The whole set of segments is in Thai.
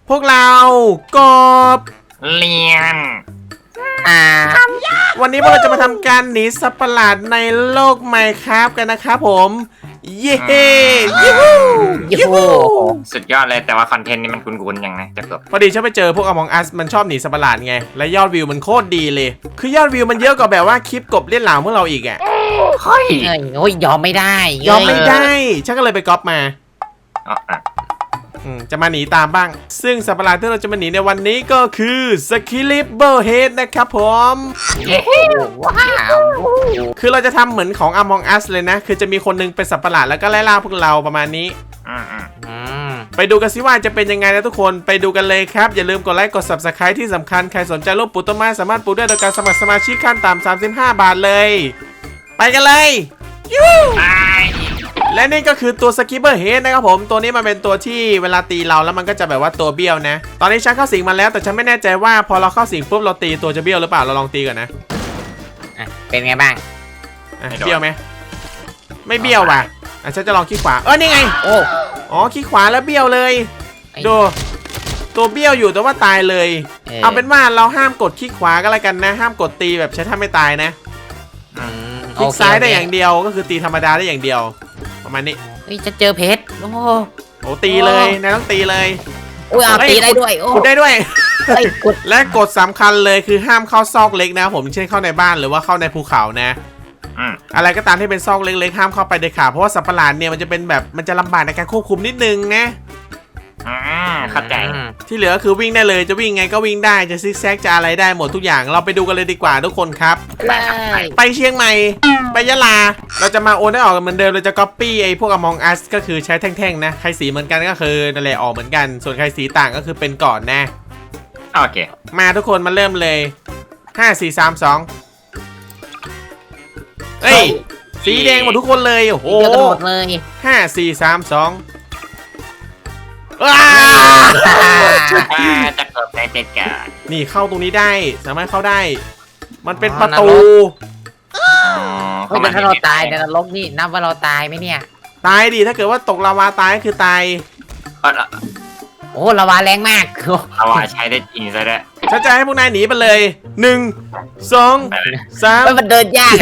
พวกเรากบเลียนวันนี้พวกเราจะมาทำการหนีสัตว์ประหลาดในโลกไมน์คราฟกันนะครับผมเย้ยูฮูยูฮูสุดยอดเลยแต่ว่าคอนเทนต์นี้มันคุ้นๆยังไงจะเกือบพอดีฉันไปเจอพวก Among Us มันชอบหนีสัตว์ประหลาดไงและยอดวิวมันโคตรดีเลยคือยอดวิวมันเยอะกว่าแบบว่าคลิปกบเล่นหลามพวกเราอีกอ่ะเฮ้ยโอ้ยยอมไม่ได้ยอมไม่ได้ฉันก็เลยไปก๊อปมาอ๋ออ่ะจะมาหนีตามบ้างซึ่งสัตว์ประหลาดที่เราจะมาหนีในวันนี้ก็คือสคิลิปเบอร์เฮดนะครับผมว้าวคือเราจะทำเหมือนของ Among Us เลยนะคือจะมีคนนึงเป็นสัตว์ประหลาดแล้วก็ไล่ล่าพวกเราประมาณนี้ ไปดูกันสิว่าจะเป็นยังไงนะทุกคนไปดูกันเลยครับอย่าลืมกดไลค์กด Subscribe ที่สำคัญใครสนใจรูปปลูกต้นไม้สามารถปลูกได้โดยการสมัครสมาชิกขั้นต่ำ35 บาทเลยไปกันเลยยูตายและนี่ก็คือตัวสกิปเปอร์เฮดนะครับผมตัวนี้มันเป็นตัวที่เวลาตีเราแล้วมันก็จะแบบว่าตัวเบี้ยวนะตอนนี้ฉันเข้าสิงมาแล้วแต่ฉันไม่แน่ใจว่าพอเราเข้าสิงปุ๊บเราตีตัวจะเบี้ยวหรือเปล่าเราลองตีก่อนนะเป็นไงบ้างเบี้ยวไหมไม่เบี้ยวว่ะฉันจะลองขี้ขวานี่ไงโอ้อ๋อขี้ขวาแล้วเบี้ยวเลยไอ้ดูตัวเบี้ยวอยู่แต่ว่าตายเลย เอาเป็นว่าเราห้ามกดขี้ขวาก็แล้วกันนะ ห้ามกดตีแบบใช้ท่าไม่ตายนะคลิกซ้ายได้อย่างเดียวก็คือตีธรรมดาได้อย่างเดียวประมาณนี้เฮ้ยจะเจอเพชรโอ้โอ้ตีเลยนายต้องตีเลยยเอาตีได้ด้วยโอ้กดได้ด้วยเฮ้ยกดและกฎสำคัญเลยคือห้ามเข้าซอกเล็กนะครับผมเช่นเข้าในบ้านหรือว่าเข้าในภูเขานะ อะไรก็ตามที่เป็นซอกเล็กๆห้ามเข้าไปเด็ดขาดเพราะว่าสัตว์ประหลาดเนี่ยมันจะเป็นแบบมันจะลำบากในการควบคุมนิดนึงนะเข้าใจที่เหลือคือวิ่งได้เลยจะวิ่งไงก็วิ่งได้จะซิกแซกจะอะไรได้หมดทุกอย่างเราไปดูกันเลยดีกว่าทุกคนครับเลยไปเชียงใหม่ไปยะลาเราจะมาโอนได้ออกกันเหมือนเดิมเราจะก๊อปปี้ไอ้พวก Among Us ก็คือใช้แท่งๆนะใครสีเหมือนกันก็คือนั่นแหละออกเหมือนกันส่วนใครสีต่างก็คือเป็นก่อนนะโอเคมาทุกคนมาเริ่มเลย5 4 3 2เฮ้ยสีแดงหมดทุกคนเลยโอ้โหเจอกันหมดเลย 5 4 3 2ว้าจะเกือบได้เด็ดกันนี่เข้าตรงนี้ได้สามารถเข้าได้ มันเป็นประตูเฮ้ยถ้าเราตายในนรกนี่นับว่าเราตายไหมเนี่ยตายดิถ้าเกิดว่าตกลาวาตายก็คือตายโอ้ละวาแรงมากเอาว่าใช้ได้จริงซะด้วยฉันจะให้พวกนายหนีไปเลย1 2 3 มันเดินยาก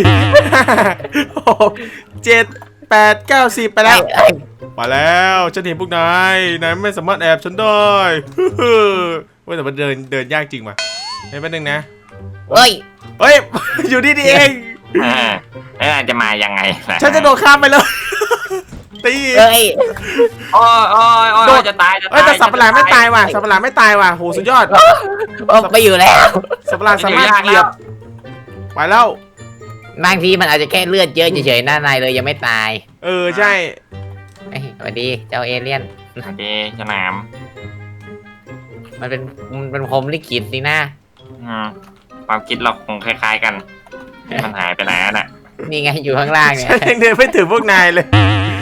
6 7 8 9 10ไปแล้วมาแล้วฉันเห็นพวกนายไม่สามารถแอบฉันได้เว้ยแต่มันเดินยากจริงว่ะเฮ้ยแป๊บนึงนะเฮ้ยเฮ้ย อยู่นี่เองแล้วจะมายังไงฉันจะโดดข้ามไปเลยตีเฮ้ยโอ้ยจะตายจะตายแต่สัตว์ประหลาดไม่ตายว่ะสัตว์ประหลาดไม่ตายว่ะโหสุดยอดไปอยู่แล้วสัตว์ประหลาดสามารถเหยียบไปแล้วบางทีมันอาจจะแค่เลือดเยอะเฉยๆหน้าในเลยยังไม่ตายใช่สวัสดีเจ้าเอเลี่ยนโอเคฉลามมันเป็นพรหมลิขิตสินะความคิดเราคงคล้ายๆกันมันหายไปไหนน่ะนี่ไงอยู่ข้างล่างเนี่ยฉันยังเดินไม่ถึงพวกนายเลย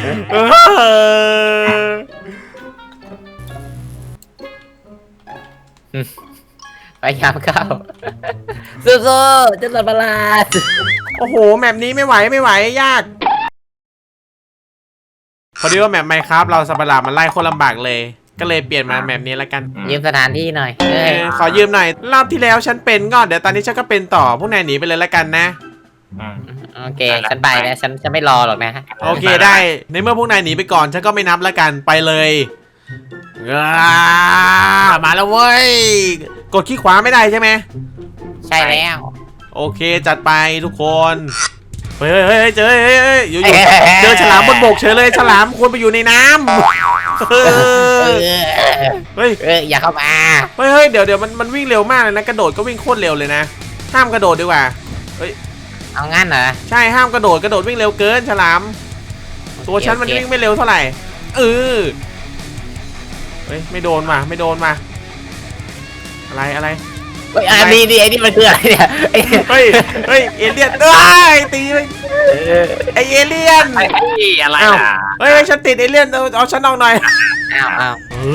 พยายามเข้าสู้ๆเจ้าสัตว์ประหลาดโอ้โหแมปนี้ไม่ไหวยากพอดีว่าแมปไมค์ครับเราสัตว์ประหลาดมันไล่โคตรลำบากเลย ก็เลยเปลี่ยนมาแมปนี้แล้วกันยืมสถานที่หน่อยขอยืมหน่อยรอบที่แล้วฉันเป็นก็เดี๋ยวตอนนี้ฉันก็เป็นต่อพวกนายหนีไปเลยแล้วกันนะโอเคฉันไปแล้วฉันไม่รอหรอกนะโอเคได้ในเมื่อพวกนายหนีไปก่อนฉันก็ไม่นับแล้วกันไปเลยมาแล้วเว้ยกดขี้ขวาไม่ได้ใช่ไหมใช่แล้วโอเคจัดไปทุกคนเฮ้ยเจออยู่เจอฉลามบนบกเฉยเลยฉลามควรไปอยู่ในน้ำเฮ้ยอย่าเข้ามาเฮ้ยเดี๋ยวมันวิ่งเร็วมากเลยนะกระโดดก็วิ่งโคตรเร็วเลยนะห้ามกระโดดดีกว่าเฮ้ยเอางั้นเหรอใช่ห้ามกระโดดวิ่งเร็วเกินฉลามตัวฉันมันวิ่งไม่เร็วเท่าไหร่เฮ้ยไม่โดนมาอะไรเฮ้ยอันนี้ไอ้นี่มันคืออะไรเนี่ยเฮ้ยเอเลี่ยนตีไปไอเอเลี่ยนอะไรเฮ้ยฉันติดเอเลี่ยนเอาฉันออกหน่อยอ้าว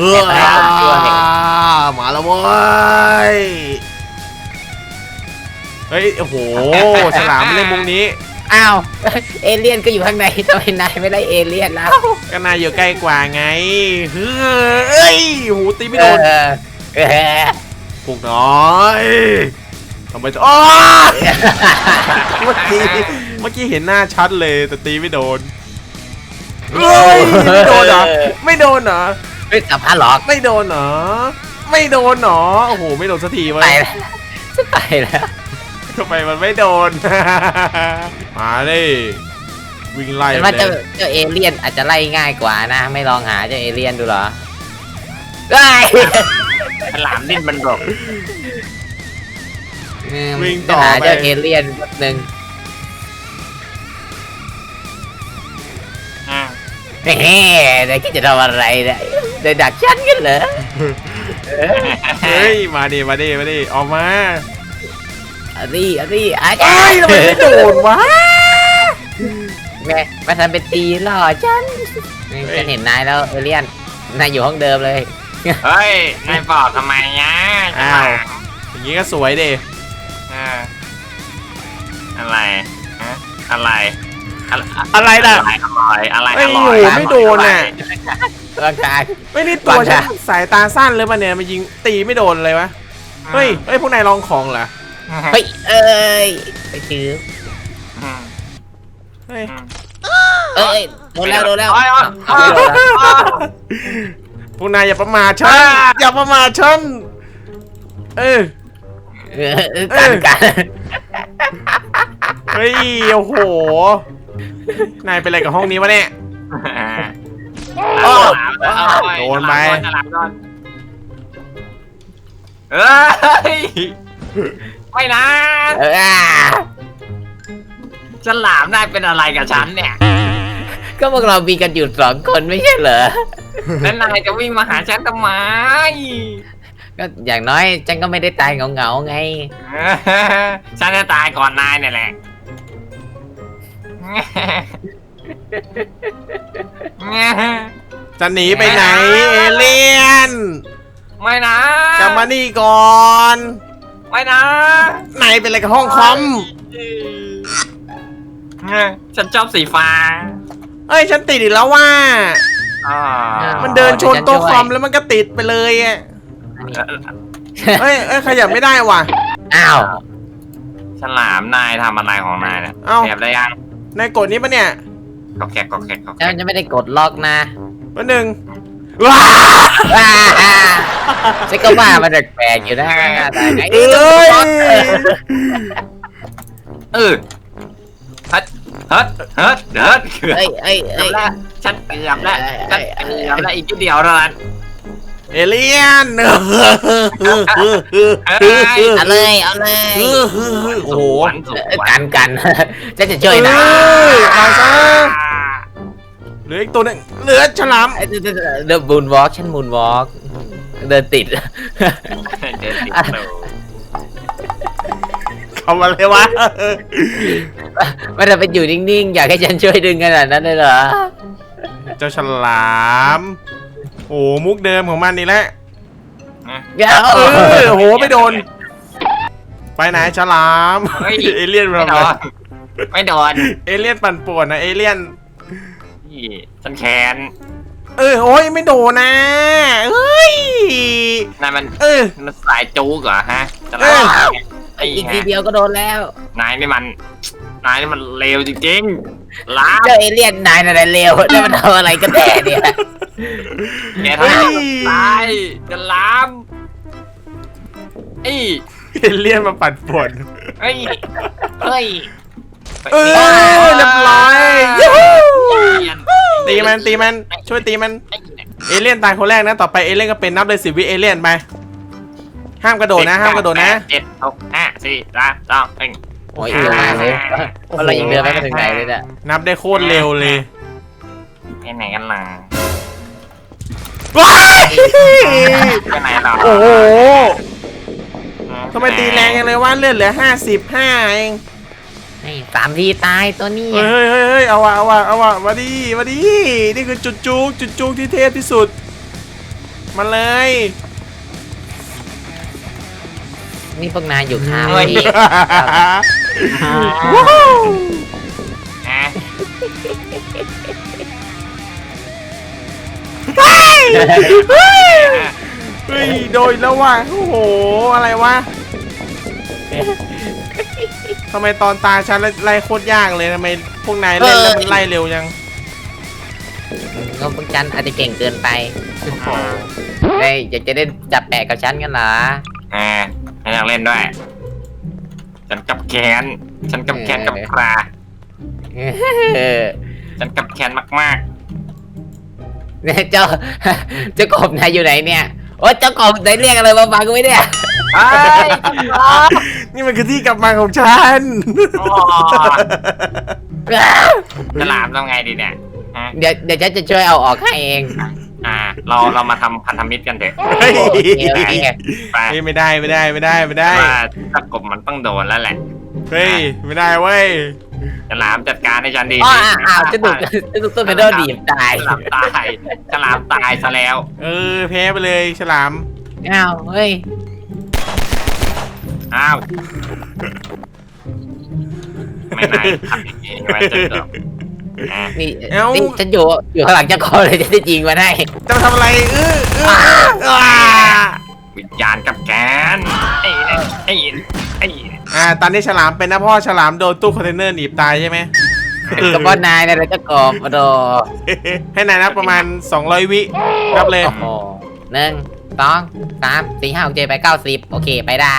มาแล้วเว้ยเฮ้ยโอ้โหฉลามเล่นมุมนี้อ้าวเอเลี่ยนก็อยู่ข้างในทำไมนายไม่ได้เอเลี่ยนแล้วก็นายอยู่ใกล้กว่าไงเฮ้ยหูตีไม่โดนเออพวกน้อยทำไมจะอ้อเมื่อกี้เห็นหน้าชัดเลยแต่ตีไม่โดนเฮ้ยไม่โดนเหรอไม่โดนเหรอเฮ้ยกับพาหลอกไม่โดนเหรอไม่โดนเหรอโอ้โหไม่โดนสักทีไปวะแล้วจะไปแล้วทำไมมันไม่โดน มาดิวิ่งไล่แต่ไปว่าเลเจ้าย เอเลี่ยนอาจจะไล่ง่ายกว่านะ ไม่ลองหาเจ้าเอเลี่ยนดูเหรอได้ฉลามดิ้นมันหลบวิ่งต่อหาไปเจ้าเอเลี่ยนแป๊บนึงอ่ะเฮ้เดี๋ยวคิดจะทำอะไรเนี่ยเดี๋ยวดักฉันกันเหรอเฮ้ยมาดิมาดิมาดิออกมาอันนี้อาเอ้ยทำไมไม่โดนวะแม่มาทำเป็นตีหล่อฉันฉันเห็นนายแล้วเอเลี่ยนนายอยู่ห้องเดิมเลยเฮ้ยนายบอกทำไมเนี่ยฉลามอย่างงี้ก็สวยดิอ่าอะไรฮะอะไรอะไรล่ะอะไรไม่อร่อยอยู่ไม่โดนน่ะร่างกายไม่นี่ตัวฉันสายตาสั้นเลยมันเนี่ยมันยิงตีไม่โดนเลยวะเฮ้ยพวกนายลองของเหรอเฮ้ยเอ้ยไปถืออืมเฮ้ยเอ้ยโดนแล้วโอ้ยพวกนายอย่าประมาทฉันอย่าประมาทฉันเออกันเฮ้ยโอ้โหนายเป็นอะไรกับห้องนี้วะเนี่ย โดนไปฉลามโดนเอ้ยไม่นะฉลามนายเป็นอะไรกับฉันเนี่ยก็พวกเรามีกันอยู่2 คนไม่ใช่เหรอแล้วนายจะวิ่งมาหาฉันทำไมก็อย่างน้อยฉันก็ไม่ได้ตายเหงาไงฉันจะตายก่อนนายเนี่ยแหละจะหนีไปไหนเอเลี่ยนไม่นะกลับมานี่ก่อนไม่นะนายเป็นอะไรกับห้องคอมฉันชอบสีฟ้าเอ้ยฉันติดอีกแล้วว่าอ่ามันเดินชนโต๊ะคอมแล้วมันก็ติดไปเลยอ่ะเอ้ยขยับไม่ได้ว่ะอ้าวฉลามนายทำอะไรของนายเนี่ยเอ้าแอบได้ยังนายกดนี้ปะเนี่ยก็แขกก็แขกก็แขฉักนจะไม่ได้กดล็อกนะวันหนึ่งว้าฉันก็ว่ามันแปลกๆอยู่นะแต่ไงเอ้ยเออเฮิร์ตเฮิร์ตเฮิร์ตเฮิร์ตเกือบเอ้ยแล้วฉันเกือบแล้วฉันเกือบแล้วอีกนิดเดียวเท่านั้นเอเลี่ยนเอาเลยโอ้โหกันฉันจะช่วยนะเอาซะเหลืออีกตัวหนึงเหลือฉลามเดินมูนวอล์กฉันมูนวอล์กเดินติดเดินติดเลยทำอะไรวะไม่ได้ไปอยู่นิ่งๆ อยากให้ฉันช่วยดึงขนาดนั้นเลยเหรอเจ้าฉลามโอ้มุกเดิมของมันนี่แหละ โอ้โหไม่โดน ไปไหนฉลาม เอเลี่ยนไม่ทำโดอะไรนไม่โดนเอเลี่ยนปั่นป่วนนะเอเลี่ยนนี่ฉันแค้นโอ้ยไม่โดนนะเฮ้ยนายมัน มันสายจูกเหรอฮะจะเอออีกทีเดียวก็โดนแล้วนายนี่มันเลวจริงๆล้าเจ้าเอเลี่ยนนายอะไรเร็วแล้วมันทำอะไรกันแน่เนี่ยแกทำให้ฉันตายจะล้ามไอ้เอเลี่ยนมาปั่นป่วนเฮ้ยเฮ้ยเรียบร้อยยูฮูตีมันช่วยตีมันไอ้เอเลี่ยนตายคนแรกนะต่อไปเอเลี่ยนก็เป็นนับเลย10 วิเอเลี่ยนไปห้ามกระโดดนะห้ามกระโดดนะ 7 6 5 4 3 2 1 โอ้ยเร็วมากเลยเพราะเรายังเดินไม่ถึงไหนเลยเนี่ยนับได้โคตรเร็วเลยไปไหนกันล่ะว้ายไปไหนหรอโอ้โหทำไมตีแรงจังเลยว่าเลือดเหลือ55เอง 3 ทีตายตัวนี้เฮ้ยเอาวะมาดินี่คือจุดจุกที่เทพที่สุดมาเลยนี่พวกนายอยู่ข้างเฮ้ยพี่ว้าวเฮ้ยโดยแล้วว่ะโอ้โหอะไรวะทำไมตอนตาฉันไล่โคตรยากเลยทำไมพวกนายเล่นแล้วมันไล่เร็วยังก็พวกฉันอาจจะเก่งเกินไปเฮ้ยอยากจะได้จับแปะกับฉันกันเหรอฉันอยากเล่นด้วยฉันกับแค้นกับปลาเออฉันกับแค้นมากเนี่ยเจ้ากบนายอยู่ไหนเนี่ยโอ้เจ้ากบนายเรียกอะไรมาฟังกูไหมเนี่ยๆไอ้นี่มันคือที่กลับมาของฉันฉลามทำไงดีเนี่ยเดี๋ยวฉันจะช่วยเอาออกให้เองเรามาทำพันธมิตรกันเถอะเฮ้ยโอเคไปไม่ได้ไม่ได้ไม่ได้ไม่ได้ว่าถ้ากบมันต้องโดนแล้วแหละเฮ้ยไม่ได้เว้ยฉลามจัดการให้ฉันดีอ๋ออ้าวจะถูกต้นไปโดนดีบตายฉลามตายซะแล้วแพ้ไปเลยฉลามอ้าวเฮ้ยอ้าวไม่นายทำอย่างนี้ใช่ไหมเจ้านี่ฉันอยู่ข้างหลังเจ้ากบเลยจะได้ยิงมาได้จะมาทำอะไรวิญญาณกับแกนไอ้ตอนนี้ฉลามเป็นนะพ่อฉลามโดนตู้คอนเทนเนอร์หนีบตายใช่ไหมกับพ่อนายนะเจ้ากบโดให้นายนับประมาณ200 วินับเลยโอ้โห1 2 3 4 5 6 7 8 9 10โอเคไปได้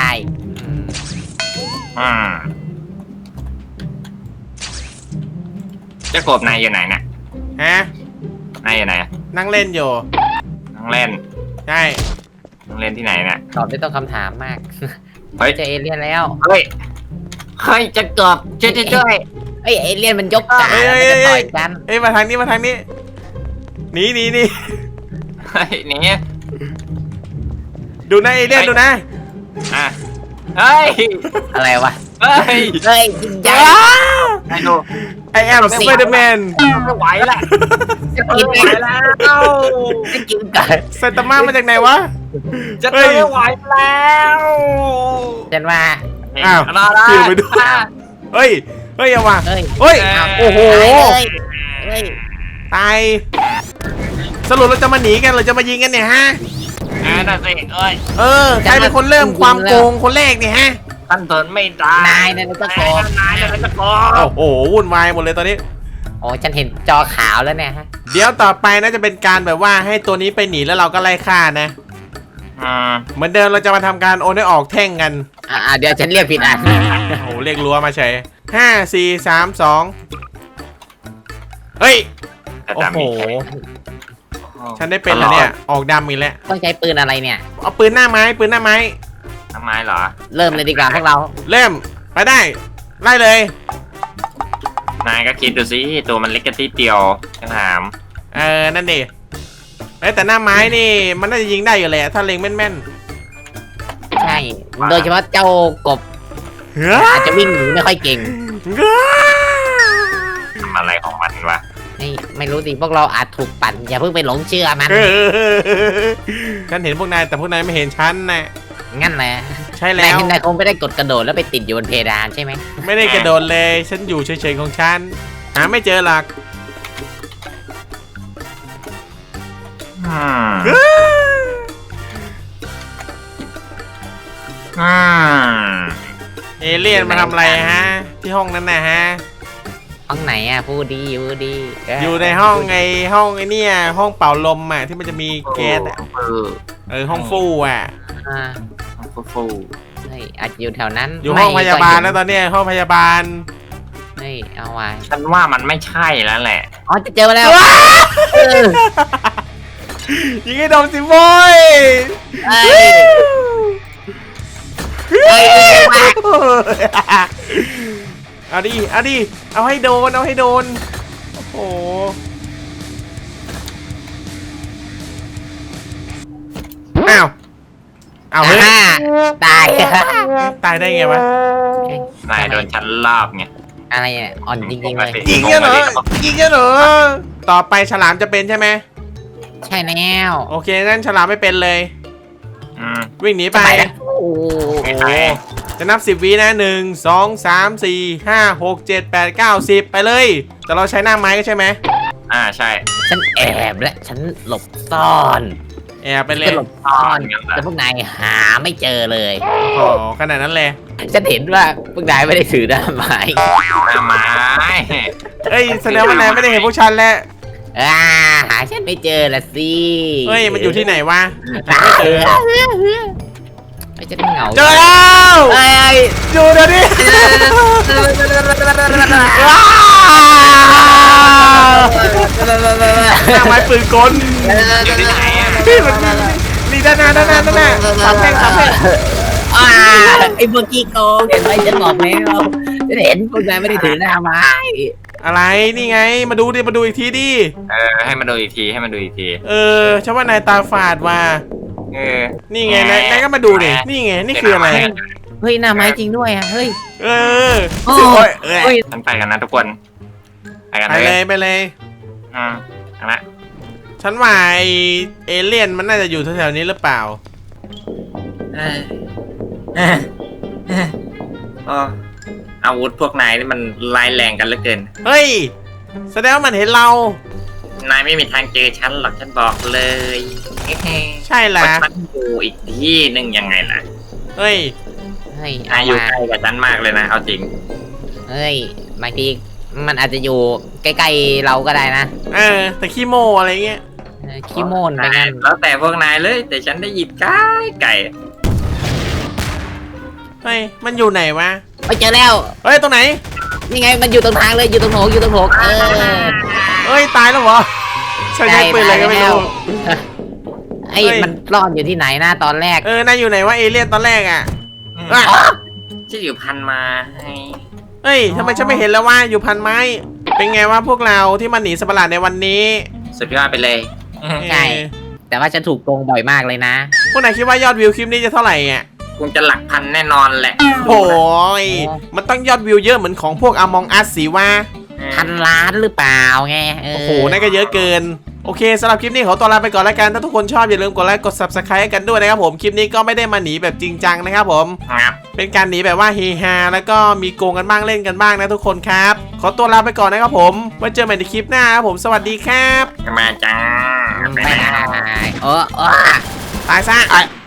เจ้ากบนายอยู่ไหนเนี่ยฮะนายอยู่ไหนนั่งเล่นอยู่นั่งเล่นใช่นั่งเล่นที่ไหนเนี่ยตอบไม่ต้องคำถามมากเฮ้ยเจอเอเลี่ยนแล้วเฮ้ยจะเกือบช่วยเอ้ยเอเลี่ยนมันยกขาแล้วมันจะต่อยกันเอ้ยมาทางนี้มาทางนี้หนีเฮ้ยนี่ดูนะเอเลี่ยนดูนะเฮ้ยอะไรวะเฮ้ยเฮ้ยใหญ่ไอ้ดูไอแอมสไปเดอร์แมนไม่ไหวละจะกินไม่เอไหวงแล้วจะกินก่อนไซตาม่ามาจากไหนวะจะไม่ไหวแล้วฉันว่าอ้าวรอได้เปลี่ยนไปด้วย เฮ้ยเอาว่ะเฮ้ยเฮ้ยอ้าวโอ้โหเฮ้ยตายสรุปเราจะมาหนีกันหรือจะมายิงกันเนี่ยฮะนั่นสิเอ้ยใครเป็นคนเริ่มความโกงคนแรกเนี่ยฮะท่านทนไม่ได้นายนั่นจะโกงนายเลยจะโกงโอ้โหวุ่นวายหมดเลยตอนนี้โอ้ฉันเห็นจอขาวแล้วเนี่ยฮะเดี๋ยวต่อไปน่าจะเป็นการแบบว่าให้ตัวนี้ไปหนีแล้วเราก็ไล่ฆ่านะ เหมือนเดิมเราจะมาทำการโอนให้ออกแท่งกันเดี๋ยวฉันเรียกผิดอันโอ้โหเรียกรั้วมาใช้5 4 3 2เฮ้ย โอ้โห ฉันได้เป็นแล้วเนี่ย ออกดำอีกแล้วต้องใช้ปืนอะไรเนี่ยเอาปืนหน้าไม้ปืนหน้าไม้ทำไมเหรอเริ่มเลยดีกว่าพวกเราเริ่มไปได้ไล่เลยนายก็คิดดูสิตัวมันเล็กกระติดเดียวฉันถามนั่นดิแต่หน้าไม้นี่มันน่าจะยิงได้อยู่แหละถ้าเล็งแม่นใช่ โดยเฉพาะเจ้ากบๆเฮ้ยอาจจะวิ่งหนีไม่ค่อยเก่งทำอะไรของมันวะไม่รู้สิพวกเราอาจถูกปั่นอย่าเพิ่งไปหลงเชื่อมันฉันเห็นพวกนายแต่พวกนายไม่เห็นฉันนะงั้นแหละใช่แล้วนายคงไม่ได้กดกระโดดแล้วไปติดอยู่บนเพดานใช่ไหมไม่ได้กระโดดเลยฉันอยู่เฉยๆของฉันหาไม่เจอหรอก เอเลี่ยนมาทำอะไรฮะ ที่ห้องนั้นนะฮะห้องไหนอ่ะพูดดีอยู่ในห้องห้องไอ้เนี่ยห้องเป่าลมอ่ะที่มันจะมีแก๊สอ่ะห้องฟู่อ่ะฟูเฮ้ยอาจจะอยู่แถวนั้นอยู่ห้องพยาบาลแล้วตอนเนี้ยห้องพยาบาลเฮ้ยเอาไว้ฉันว่ามันไม่ใช่แล้วแหละอ๋อจะเจอมาแล้วยิงให้โดนสิโบย เอาดิเอาให้โดนโอ้โหอ้าวเฮ้ยตายตายได้ไงวะนายโดนฉันลอบไงอะไรเนี่ยอ่อนจริงๆเลยยิงกันเหรอต่อไปฉลามจะเป็นใช่ไหมใช่แล้วโอเคงั้นฉลามไม่เป็นเลยวิ่งหนีไปโอ้ไม่ใช่จะนับ10วินะ1 2 3 4 5 6 7 8 9 10ไปเลยแต่เราใช้หน้าไม้ก็ใช่ไหมใช่ฉันแอบและฉันหลบซ่อนแอบไปเลฉัยนหลบซ่อนแต่พวกนายหาไม่เจอเลยโอ้โหขนาดนั้นเลยฉันเห็นว่าพวกนายไม่ได้ถือหน้าไม้หน้าไม้เอ้ยแสดงว่านายไม่ได้เห็นพวกฉันแล้วหาฉันไม่เจอละสิเฮ้ยมันอยู่ที่ไหนวะไม่เจอไม่จะเหงาเจอแล้วเอ้ยอยู่เดี๋ยวนี้หน้าไม้ปืนกลอยู่ที่ไหนอ่ะพี่มันนี่ด้านหน้าสามแท่งไอ้เมื่อกี้โกงเห็นไหมฉันบอกแล้วฉันเห็นพวกนายไม่ได้ถือหน้าไม้อะไรนี่ไงมาดูอีกทีดิให้มาดูอีกทีฉันว่านายตาฝาดว่ะ นี่ไงนายก็มาดูดินี่ไงนี่คืออะไรเฮ้ยหน้าไม้จริงด้วยอ่ะเฮ้ยโอ้ยเฮ้ยฉันไปกันนะทุกคนไปกันไปเลเลย ยไปเลยเอาละฉันว่าไอเอเลี่ยนมันน่าจะอยู่แถวๆนี้หรือเปล่าอาวุธพวกนายนี่มันร้ายแรงกันเหลือเกินเฮ้ยแสดงว่ามันเห็นเรานายไม่มีทางเจอฉันหรอกฉันบอกเลยใช่ละฉันอยู่อีกที่หนึ่งยังไงล่ะเฮ้ยเฮ้ยนายอยู่ใกล้กับฉันมากเลยนะเอาจริงเฮ้ยบางทีมันอาจจะอยู่ใกล้ๆเราก็ได้นะแต่ขี้โมอะไรเงี้ยขี้โมนไปงั้นแล้วแต่พวกนายเลยแต่ฉันได้ยินไก่เฮ้ยมันอยู่ไหนวะไปเจอแล้วเฮ้ยตรงไหนนี่ไงมันอยู่ตรงทางเลยอยู่ตรงโถงเฮ้ยตายแล้วเหรอใช้ปืนอะไรก็ไม่รู้ไอ้มันซ่อนอยู่ที่ไหนนะตอนแรกนายอยู่ไหนวะเอเลี่ยนตอนแรกอ่ะจะอยู่พันมาให้เฮ้ยทำไมฉันไม่เห็นแล้วว่าอยู่พันไม้ เป็นไงวะพวกเราที่มาหนีสัตว์ประหลาดในวันนี้สุดยอดไปเลยใช่ แต่ว่าฉันถูกโกงบ่อยมากเลยนะพวกนายคิดว่ายอดวิวคลิปนี้จะเท่าไหร่อ่ะคงจะหลักพันแน่นอนแหละโอ้ยมันต้องยอดวิวเยอะเหมือนของพวก Among Us สิว่า 1,000,000,000หรือเปล่าไงโอ้โหนั่นก็เยอะเกิน โอเคสำหรับคลิปนี้ขอตัวลาไปก่อนแล้วกัน ถ้าทุกคนชอบอย่าลืมกดไลค์กด Subscribe ให้กันด้วยนะครับผม คลิปนี้ก็ไม่ได้มาหนีแบบจริงจังนะครับผมครับเป็นการหนีแบบว่าเฮฮาแล้วก็มีโกงกันบ้างเล่นกันบ้างนะทุกคนครับ ขอตัวลาไปก่อนนะครับผมไว้เจอใหม่ในคลิปหน้าครับผม สวัสดีครับมาจ้าไม่ได้โอ้ตายซะ